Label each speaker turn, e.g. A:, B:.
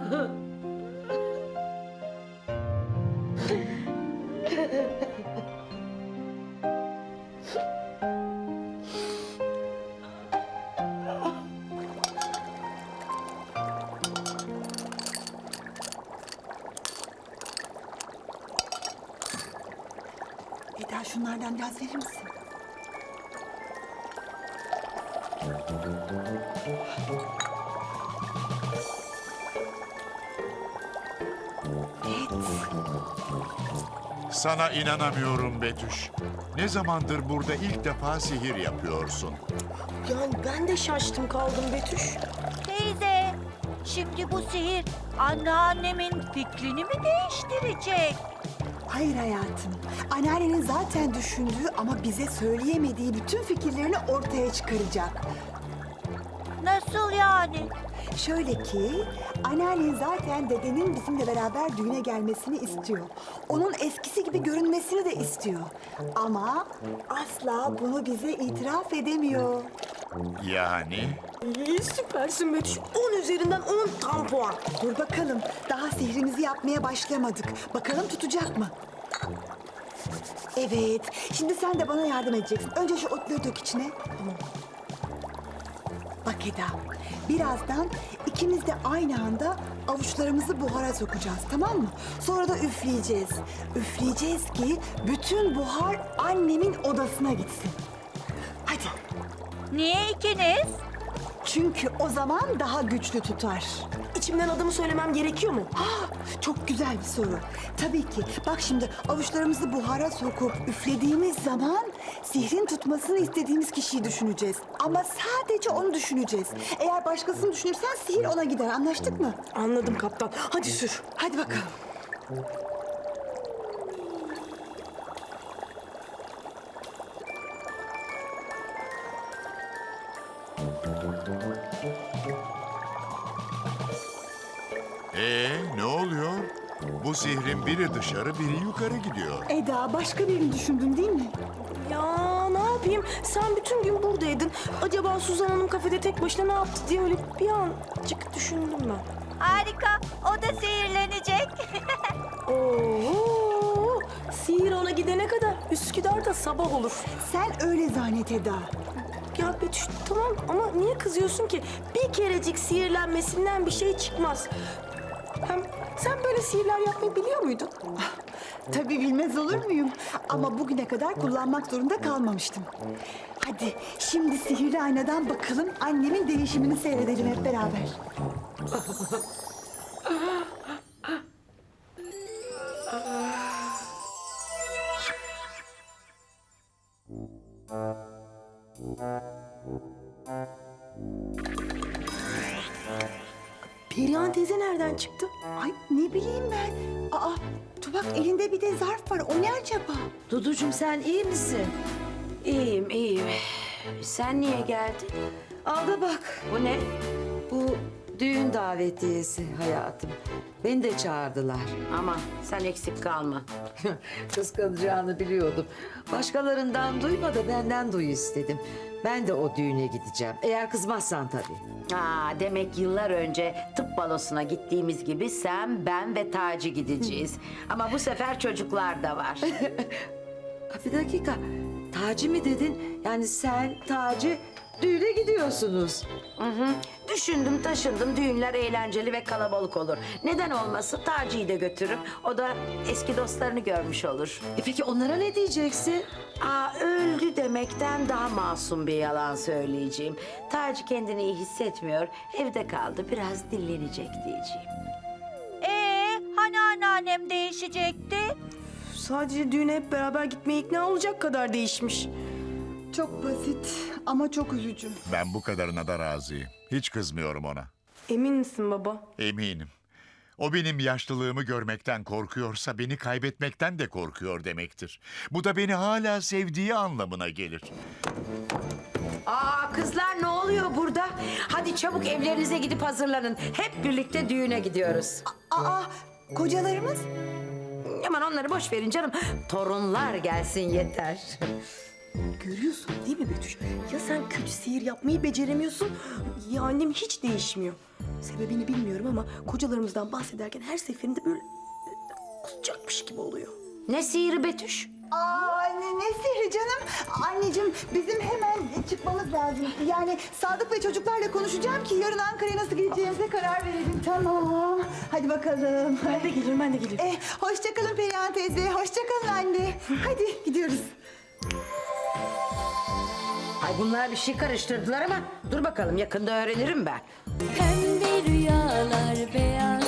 A: Eda, şunlardan biraz verir misin? Evet.
B: Sana inanamıyorum Betüş. Ne zamandır burada ilk defa sihir yapıyorsun?
C: Yani ben de şaştım kaldım Betüş.
D: Teyze, şimdi bu sihir anneannemin fikrini mi değiştirecek?
A: Hayır hayatım. Anneannenin zaten düşündüğü ama bize söyleyemediği bütün fikirlerini ortaya çıkaracak.
D: Nasıl yani?
A: Şöyle ki, anneannen zaten dedenin bizimle beraber düğüne gelmesini istiyor. Onun eskisi gibi görünmesini de istiyor. Ama asla bunu bize itiraf edemiyor.
B: Yani?
C: İyi, süpersin Betüş. 10 üzerinden 10 tam puan.
A: Dur bakalım, daha sihrimizi yapmaya başlamadık. Bakalım tutacak mı? Evet, şimdi sen de bana yardım edeceksin. Önce şu otları dök içine. Tamam. Bak Eda, birazdan ikimiz de aynı anda avuçlarımızı buhara sokacağız, tamam mı? Sonra da üfleyeceğiz. Üfleyeceğiz ki bütün buhar annemin odasına gitsin. Hadi.
D: Niye ikiniz?
A: Çünkü o zaman daha güçlü tutar.
C: İçimden adımı söylemem gerekiyor mu?
A: Çok güzel bir soru. Tabii ki. Bak şimdi avuçlarımızı buhara sokup üflediğimiz zaman sihrin tutmasını istediğimiz kişiyi düşüneceğiz. Ama sadece onu düşüneceğiz. Eğer başkasını düşünürsen sihir ona gider. Anlaştık mı?
C: Anladım kaptan. Hadi sür.
A: Hadi bakalım.
B: Ne oluyor? Bu sihrin biri dışarı, biri yukarı gidiyor.
A: Eda, başka birini düşündün değil mi?
C: Ya ne yapayım? Sen bütün gün buradaydın. Acaba Suzan Hanım kafede tek başına ne yaptı diye öyle bir ancık düşündüm ben.
D: Harika, o da sihirlenecek.
C: Oo, sihir ona gidene kadar Üsküdar'da sabah olur.
A: Sen öyle zannet Eda.
C: Ya Betüş tamam ama niye kızıyorsun ki? Bir kerecik sihirlenmesinden bir şey çıkmaz. Hem sen böyle sihirler yapmayı biliyor muydun?
A: Tabii bilmez olur muyum? Ama bugüne kadar kullanmak zorunda kalmamıştım. Hadi şimdi sihirli aynadan bakalım annemin değişimini seyredelim hep beraber.
C: Perihan teyze nereden çıktı?
A: Ay ne bileyim ben. Aa, dur bak elinde bir de zarf var. O ne acaba?
E: Duducuğum sen iyi misin?
F: İyiyim, iyiyim. Sen niye geldin?
E: Al da bak.
F: Bu ne?
E: Bu düğün davetiyesi hayatım. Beni de çağırdılar.
F: Aman sen eksik kalma.
E: Kıskanacağını biliyordum. Başkalarından duyma da benden duy istedim. Ben de o düğüne gideceğim. Eğer kızmazsan tabii.
F: Demek yıllar önce tıp balosuna gittiğimiz gibi sen, ben ve Taci gideceğiz. Ama bu sefer çocuklar da var.
E: Bir dakika. Taci mi dedin? Yani sen, Taci düğüne gidiyorsunuz.
F: Düşündüm taşındım, düğünler eğlenceli ve kalabalık olur. Neden olmasın, Taci'yi de götürürüm. O da eski dostlarını görmüş olur.
E: Peki onlara ne diyeceksin?
F: Öldü demekten daha masum bir yalan söyleyeceğim. Taci kendini iyi hissetmiyor, evde kaldı, biraz dinlenecek diyeceğim.
D: Hani anneannem değişecekti?
C: Sadece düğüne hep beraber gitmeye ikna olacak kadar değişmiş.
A: Çok basit ama çok üzücü.
B: Ben bu kadarına da razıyım. Hiç kızmıyorum ona.
C: Emin misin baba?
B: Eminim. O benim yaşlılığımı görmekten korkuyorsa beni kaybetmekten de korkuyor demektir. Bu da beni hala sevdiği anlamına gelir.
F: Kızlar ne oluyor burada? Hadi çabuk evlerinize gidip hazırlanın. Hep birlikte düğüne gidiyoruz.
A: Aa, kocalarımız?
F: Aman onları boş verin canım. Torunlar gelsin yeter.
C: Görüyorsun değil mi Betüş? Ya sen kötü sihir yapmayı beceremiyorsun ya annem hiç değişmiyor. Sebebini bilmiyorum ama kocalarımızdan bahsederken her seferinde böyle kusacakmış gibi oluyor.
F: Ne sihiri Betüş?
A: Aa, ne sihri canım. Anneciğim bizim hemen çıkmamız lazım. Yani Sadık ve çocuklarla konuşacağım ki yarın Ankara'ya nasıl gideceğimize karar verelim. Tamam. Hadi bakalım.
C: Ben de gelirim, ben de gelirim.
A: Hoşça kalın Perihan teyze. Hoşça kalın anne. Hadi gidiyoruz.
F: Ay bunlar bir şey karıştırdılar ama dur bakalım yakında öğrenirim ben.
G: Pembe rüyalar, beyaz